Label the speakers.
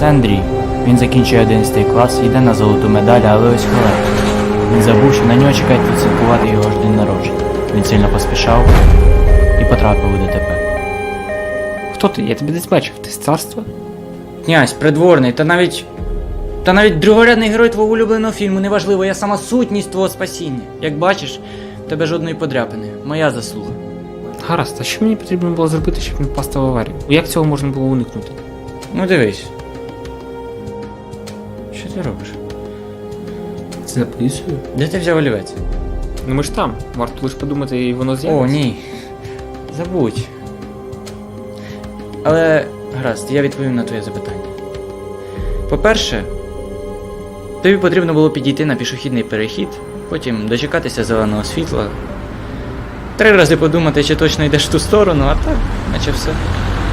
Speaker 1: Це Андрій. Він закінчує 11 клас, йде на золоту медаль, але ось халепа. Він забув, що на нього чекають відсвяткувати його ж день народження. Він сильно поспішав і потрапив у ДТП.
Speaker 2: Хто ти? Я тебе десь бачив. Ти з царства?
Speaker 3: Князь, придворний, та навіть другорядний герой твого улюбленого фільму, неважливо, я сама сутність твого спасіння. Як бачиш, в тебе жодної подряпини. Моя заслуга.
Speaker 2: Гаразд, а що мені потрібно було зробити, щоб не впасти в аварію? Як цього можна було уникнути?
Speaker 3: Ну дивись. Що ти робиш?
Speaker 2: Це записую?
Speaker 3: Де ти взяв олівець?
Speaker 2: Ну ми ж там. Варто лише подумати, і воно з'явиться.
Speaker 3: О, ні. Забудь. Але, гаразд, я відповім на твоє запитання. По-перше, тобі потрібно було підійти на пішохідний перехід, потім дочекатися зеленого світла, 3 рази подумати, чи точно йдеш в ту сторону, а так, наче все.